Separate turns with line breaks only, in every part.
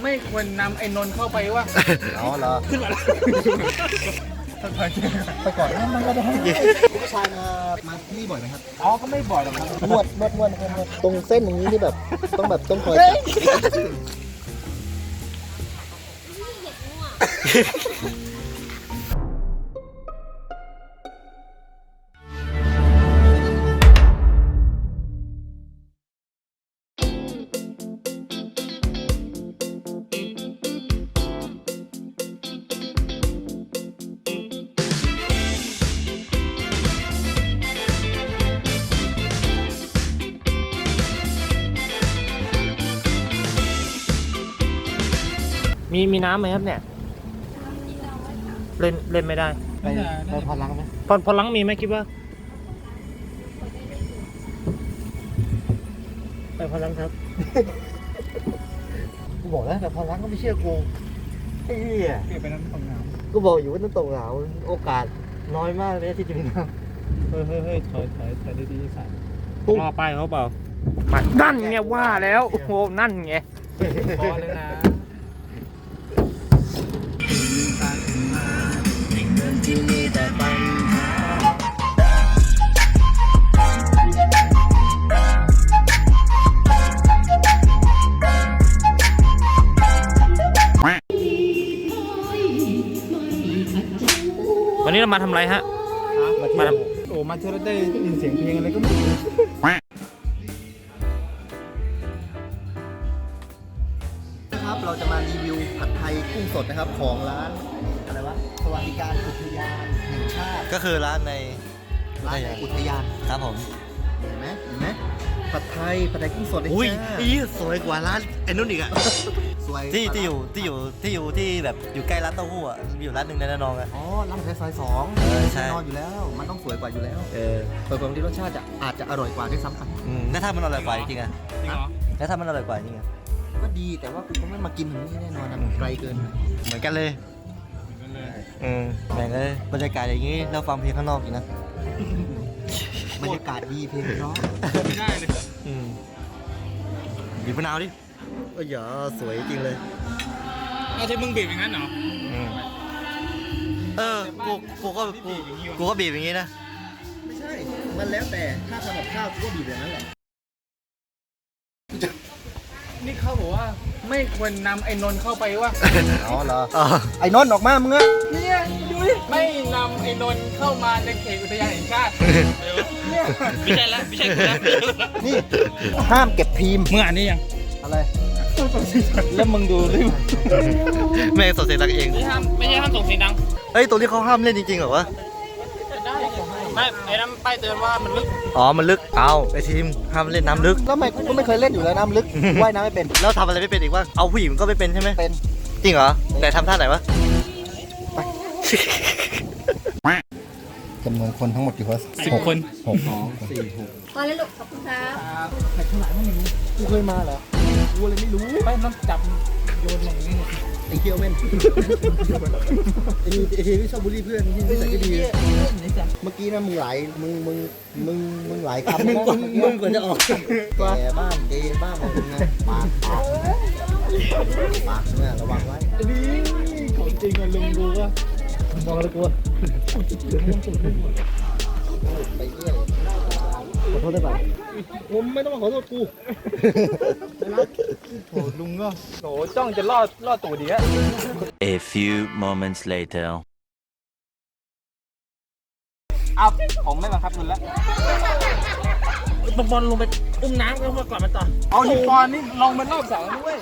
ไม่ควรนำไอ้นนท์เข้าไปวะ
อ๋อเหรอ
ขึ้นมาแล้ว
ไปก่อนนะมันก็ได้ผู้ชายมาที่นี่บ่อยไหมครับ
อ๋อก็ไม่บ่อยหรอกครับ
นวดตรงเส้นอย่างนี้นี่แบบต้องคอยจับ
มีน้ำไหมครับเนี่ยเล่นไม่ได้
ไปพอล้างไหม
พอล้างมีไหมคิดว่าไปพอล้างครับ
กูบอกแล้วแต่พอล้างก็ไม่เชื่อกูไอ้เหี้ย
เปลี่ยนไปน้ำตกน้
กูบอกอยู่ว่าน้ำตกเหลาโอกาสน้อยมากเลยที่จะมีน้
ำเฮ้ยถอยดีๆสัตว์
รอไปเขาเปล่ามานั่นไงว่าแล้วโอ้โหนั่นไง
พอเลยนะ
วันนี้เรามาทำอะไรฮะ
ำ
มาท
โอ้มาเจอได้ยินเสียงเพลงอะไรก็ไม่รู้
นะครับเราจะมารีวิวผัดไทยกุ้งสดนะครับของร้านอะไรวะสวัสดิการอุทยานแห่งชาติ
ก็คือร้านใน
อุทยาน
ครับผม
เห็นไหมผัดไทยกุ้งสดเลย
อุ้ย
จ้า
อีสวยกว่าร้านไอ้นุ่นอีกอะ
สวย
ที่อยู่ที่แบบอยู่ใกล้ร้านเต้าหู้อะมีอยู่ร้านหนึ่งในระนองอะ
อ๋อร้านผัดไทยซอยสอง
ใช่
แน่นอนอยู่แล้ว มันต้องสวยกว่าอยู่แล้ว
เออ
เปิดความที่รสชาติอาจจะอร่อยกว่าด้วยซ้ำไป
แล้วถ้ามันอร่อยกว่าจริงๆอะ
จริงเหรอ
แล้วถ้ามันอร่อยกว่าจริงอะ
ก็ดีแต่ว่ากูคงไม่มากินถึงนี่แน่นอนนะมันไกลเกิน
เหมือนกันเลยแบ่งเลยบรรยากาศอย่างนี้แล้วฟังเพลงข้างนอกอีกนะ
บรรยากาศดีเพลงเพราะ
ไม่ได้เลย
บีบมะนาวดิโอ้ยอย่าสวยจริงเลย
เอาใช้มึงบีบอย่างนั้นเหรอ
เออกูก็บีบอย่างนี้นะ
ไม่ใช่ มันแล้วแต่ถ้าทำกับข้าวกูก็บีบอย่างนั้นแหละ
นี่เขาบอกว่าไม่ควรนำไอ้นนท์เข้าไปวะ
อ๋อเหรอไอ้นนท์ออกมามึงอะ
เนี่ยดูดิไม่นำไอ้นนท์เข้ามาในเขตอุทยานแห่งชาติเนี่ย
ไม่ใช่แล้วไม่ใช่กูแล้ว
นี่ห้ามเก็บพิมพ์
มึงอ่านนี่ยัง
อะไร
แล้วมึงดูดิ
แม่งสดเสียงดังเอง
ไม่ใช่ห้ามส่งเสียงดัง
เฮ้ยตรงนี้เขาห้ามเล่นจริงๆเหรอวะ
ไม่ไอ้นั้นป้ายเตือนว่ามันลึก
อ๋อมันลึกเอาไอทีมห้ามเล่นน้ำลึก
แล้วไม่กูก็ไม่เคยเล่นอยู่แล้วน้ำลึกว่ายน้ำไม่เป็น
แล้วทำอะไรไม่เป็นอีกวะเอาผู้หญิงก็ไม่เป็นใช่ไหม
เป็น
จริงเหรอไหนทำท่าไหนวะ
จำนวนคนทั้งหมดกี่คน
10 คน
พอแล้วลูกขอบคุณครับ
กูเคยมาเหรอกูเลยไม่รู้
ไปน้ำจับโยนอย่างนี้
ไอ้เคียวเว้นไอ้ทีที่ชอบบูลลี่เพื่อนที่นิสัยไม่ดีเมื่อกี้นะมึงหลายมึงหลายคำนะมึงกว่าจะออกแกบ้างเกย์บ้างอะไรเงี้ยปากเนี่ยระวังไว้
นี่ของจริงอะลุงดูว่า
มองแล้วกลัวไปเรื่อยขอโทษได้ป่ะผมไม่ต้องมาขอโทษกู
โอ้ลุงก็โหจ้องจะล่อตูดดีอะ
A few moments later.
เอาผมไม่บังคับคุณแล้ว
บอลลงไปอุ้มน้ำแล้วมาก่อนมาต่อ
เอานี่บอลนี่ลงเป็นรอบสองด้วย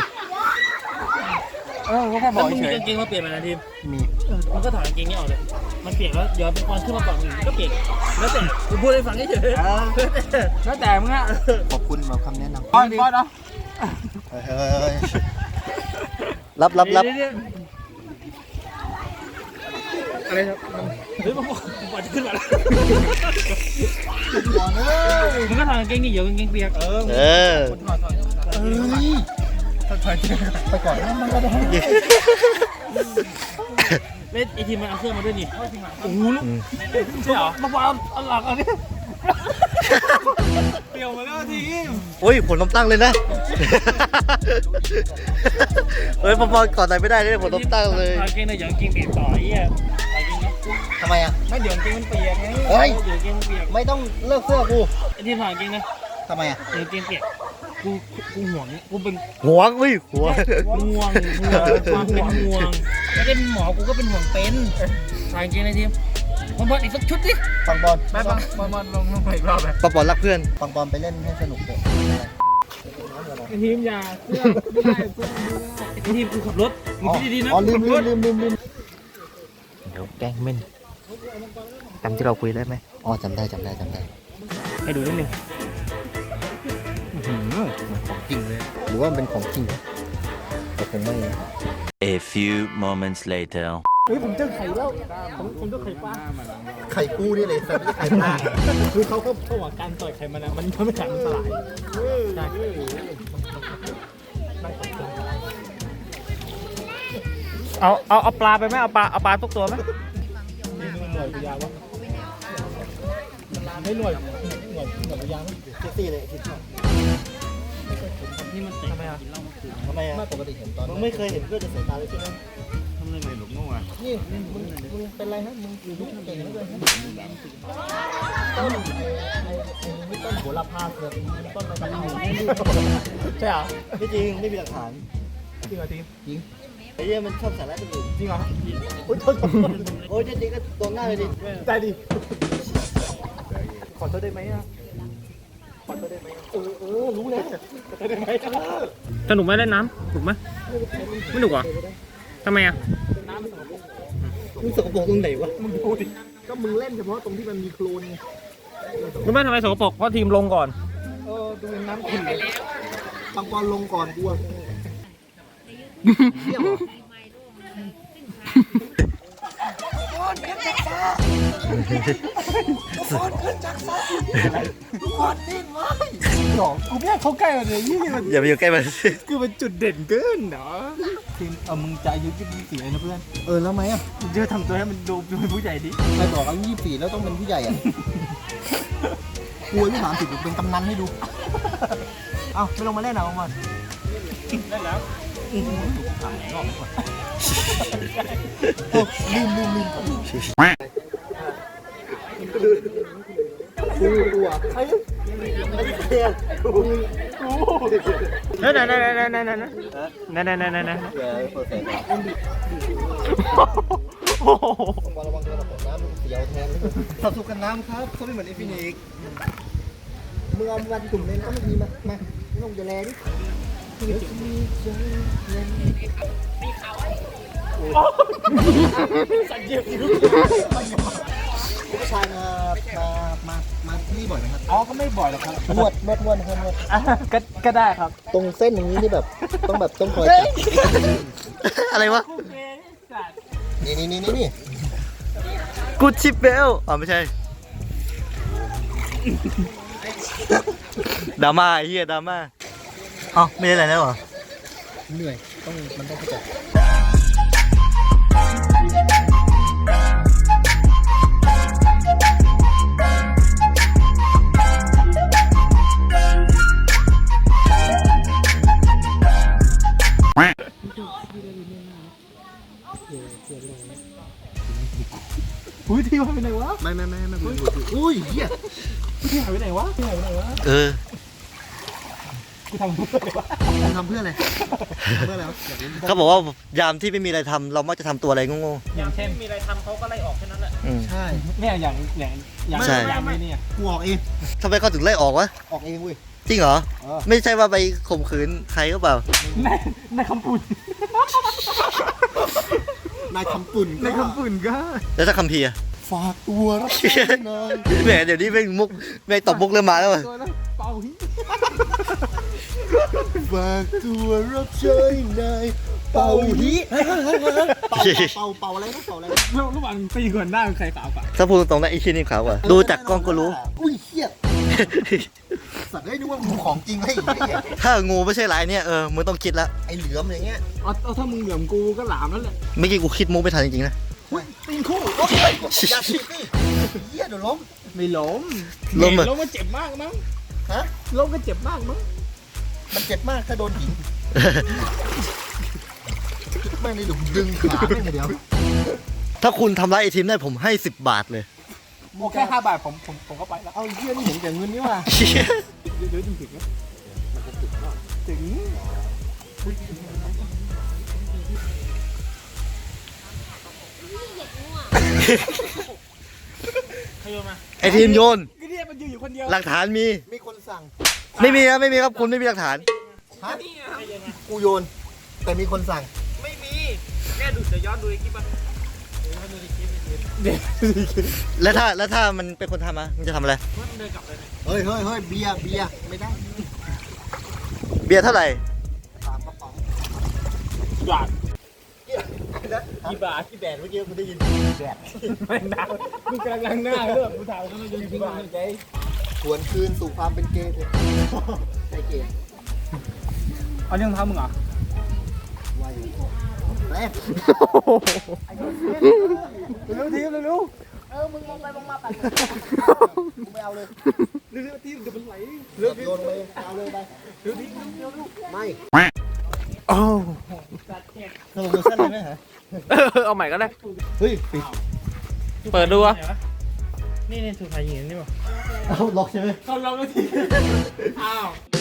ก็แค่บ
แล้
อ
ว
ก
มึง
เฉ
มี
ย
กางเกงมาเปลี่ยนไหมนะทีม
มี
มันก็ถอดกางเกงนี้ออกเลยมันเปียกแล้วเดี๋ยวเป็นบอลขึ้นมาก่อนมึงก็เปียกแล้วแต่กูพูดให้ฟังเฉย
แล้วแต่มึงอะ
ขอบคุณสำหรับคำแนะนำ
บอลเนาะ
เฮ้ยรับ
อะไรครับ
เฮ้ยบอลจะขึ้นมาแล้ว
ก่อนเอ้ย
มึงก็ถอดกางเกงนี่เดี๋ยวกางเกงเปียก
เออ
ไปก่อนนะมันก็ได้
เล่นไอทีมมันเอาเครื่องมาด้วยนี่โอ้โหลูกใช่เหรอมาบอลเอาหลังอันนี้
เปลี่ยวมาแล้วทีม
โอ้ยผลลมตั้งเลยนะเฮ้ยพอก่อนไหนไม่ได้เลยผมต้องตั้งเลย
เอาเกงในเดี๋ยวเกงเปียกต่อไอ้เหี้ยเอาเกงนะ
ทำไมอ่ะ
ไม่เดี๋ยวจริงมันเปียกไง
เฮ้ย
เดี๋ยวเกงเปียก
ไม่ต้องเลิกเสื้อกู
ไอ้ที่ผ่านเกงนะ
ทำไมอ่ะ
เดี๋ยวเกงเปียกกูห่วงกูเป็น
หัวอุ้ยหัว
ห่วงความเป็นห่วงไม่ได้เป็นหมอกูก็เป็นห่วงเป็นผ่านเกงในทีมบอลอีกสักชุดดิ
ปังบอล
ไม่บังบอลลงไปอีกรอบเลย
ปอรักเพื่อน
ปังบอลไปเล่นให้สนุกเถอะ
ไอ้ทีมอย่าเพื่อนไม่ได้เพื่อนไม่ได้ไอ้ทีมกูขับรถมึงคิดดีๆนะ
อ๋อลืม
เดี๋ยวแกล้งเม่นจำที่เราคุยได้ไหม
อ๋อจำได้
ให้ดูนิดนึง
ของจริงเลย หรือว่ามันเป็นของจริงแต่คงไม่
A few moments later.
เฮ้ยผมเจอไข่แล้วผมเจอไข่ปลา
ไข่กู้นี่เลยแต่ไม่ใช่ไข่ปลา
คือเขาบอกการต่อยไข่มันมันทำให้ไข่มันสลายใช่เอาปลาไปไหมเอาปลาทุกตัวไหมหน่วยพยาวะไม่หน่วยพยาว
ตีเลยที
นี่มันเตะทำไมอ่ะ
ทำไมอ่ะปกติเห็นตอนมึงไม่เคยเห็นเพื่อนจะเสียตาเลยใช่ไหม
ทำไมไม่หลงงอ่ะ
นี่มึงเป็นไรฮะมึงอยู่ลูกเก่งเหลือเกินฮะต้นต้นหัวละพาเกิดต้นอะไรกัน
ใช่เหรอ
ไม่จริงไม่มีหลักฐาน
จริงเหรอทีม
จริงไอ้เหี้ยมันชอบสาระคนอื่น
จริงเหรอ
โอ๊ยโทษโอ๊ยจริงก็โดนหน้าเลยดิ
ได้ดิ
ขอโทษได้ไหมอ่ะขอโทษได้ไหมรู้แล้วขอโทษได้ไหม
สนุกไหมเล่นน้ำถูกไหมไม่หนุกเหรอทำไมอ่ะ
มึงสกปรกตรงไหนวะ
มึงดูดิ
ก็มึงเล่นเฉพาะตรงที่มันมีโคลนไง
รู้ไหมทำไมสกปรกเพราะทีมลงก่อน
ดูน้ำขุ่นเลยปังปอนลงก่อนกูอะเที่ยวเหรอหรอกูไม่อยากเข้าใกล้มันเลยยี่มัน
อย่าไปอยู่ใกล้มัน
คือมันจุดเด่นเกินเนาะทีมมึงจะอายุ24เลยนะเพื่อน
แล้วไหมอ่ะ
มึงจะทำตัวให้มันดูเป็นผู้ใหญ่ดิ
ใครบอกอายุ24แล้วต้องเป็นผู้ใหญ่อ่ะกูอายุ30เป็นกำนันให้ดู เอ้าไม่ลงมาเล่นเอามา
ได้แล้ว
ลืมกูอ่ะไอ้เหี้ยกู
นั่นโอ้โห
ระวังตัวตกน้ำมึงเสียวแทนสับสุกกันน้ำครับเขาไม่เหมือนไอ้ฟินิกมึงเอาวันกลุ่มเลยนะมันมีมาไม่ต้องจะแลดิ
สัญญาณ
ผู้ชายมาที่นี่บ่อยไหมครับ
อ๋อก็ไม่บ่อยหรอกครับ
นวดนะครับนวด
ก็ได้ครับ
ตรงเส้นอย่างนี้นี่แบบต้องคอยจับ
อะไรวะ
นี่
กูชิปเบลอ๋อไม่ใช่ดราม่าไอ้เหี้ยดราม่าอ๋อไม่ได้อะไรแล้วเหรอ
เหนื่อยมันต้องเข้าใจอุ้ยที่หายไปไหนวะไม่อุ้ยเหี้ย
ที่หายไปไหนวะ
เออ
กูทำเพื่ออะไรวะ
มึงทำเพื่ออะไรเพื่ออะไรวะ
เขาบอกว่ายามที่ไม่มีอะไรทำเรามักจะทำตัวอะไรโง่
อย่างเช่นมีอะไรทำเขาก็ไล่ออกแค่นั้นแหละ
ๆอืม
ใช่
เนี่ยอย่าง
ใช่
อย่างนี้เนี่ย
กูออกเอง
ทำไมเขาถึงไล่ออกวะ
ออกเองเว้ย
จริงเหรอ
เออ
ไม่ใช่ว่าไปข่มขืนใครก็เปล่า
ในคำพูด
นายคำปุ่น
ในคำพูดก็
แล้วถ้าคัมภีร์อะ
ฝากตัวรับใช้หน่อย
แหมเดี๋ยวนี้แม่งมุกแม่งตบมุกเริ่มมาแล้วว่ะ
ตัวนั้นเป่าหิ
ฝากตัวรับใช้หน่อยเป่าฮิเป่าอะไรนะเป่าอะไรนะ
ระหว่างตีก่อนหน้าใครขาวกว่า
ถ้าพูดตรงๆนะไอ้ชิ้นนี่ขาวกว่าดูจากกล้องก็รู้
อุ้ยเหี้ยสัตว์ได้ดูว่ามึงของจริงให้อีกไอ้เหี้ย
ถ้างูไม่ใช่ลายเนี่ยมึงต้องคิดละ
ไอ้เหลือมอย่างเงี้ย
เอาถ้ามึงเหลือมกูก็หลามนั่นแหละ
เมื่อกี้กูคิดมุกไม่ทันจริงๆนะ
ตีนคู่โอ้ยอย่าฉีกดิเหี้ยเดี๋ยวล้ม
ไม่ล้ม
ล้มอะ
ล้มก็เจ็บมากมั้ง
ฮะ
ล้มก็เจ็บมากมั้ง
มันเจ็บมากถ้าโดนหินแม่งเลยดึงขาแม่งเดียว
ถ้าคุณทำร้ายไอทีมได้ผมให้10 บาทเลย
โอเค5 บาทผมก็ไปแล้ว
เอาเยี่ยนี่เห็นแต่เงินนี่ว่ะ
เดี๋ยวถึงถึงนะถึง
ใครโยนมา
ไอทีมโยน
ก็เนี่ยมันอยู่คนเดียว
หลักฐานมี
มีคนสั่ง
ไม่มีครับไม่มีครับคุณไม่มีหลักฐาน
ฮะกูโยน แต่มีคนสั่ง
ไม่มีแค่ดูจะย้อนดูในคลิปป่ะ
แล้วถ้ามันเป็นคนทำอะมันจะทำอะไร
มันเดินกลับเลยเนี่ย
เฮ้ยเบียร์ไม่ได้
เบียร์เท่าไหร่
3 กระป๋อง
บาท
กี่บาทกี่แบดเมื่อกี้กูได้ยินแบด
ไม่ดังมึงกำลังล้างหน้าเรื่องกูถามว่ามันอยู่ที่บ้านใจ
ทวนคืนสู่ความเป็นเกย์เถอะใช่เกย์
เอาเรื่องเท้ามึงเหรอ
ว่าอยู่แม่
เร็วทีเร็ว
มึงมองไปมองมาไปไม่เอาเลย
เร็วทีเดี๋ยวมันไหล
โยนไปเอาเลยไปไม่
สโลโมชั่นเลยไหมฮะ
เอาใหม่ก็ได้
เฮ้ยปิด
เปิดดูอ่ะ
นี่สุดท้ายยิงนี่ป่ะ
เอาล็อกใช่ไหม
เขาลองแล้วทีอ้าว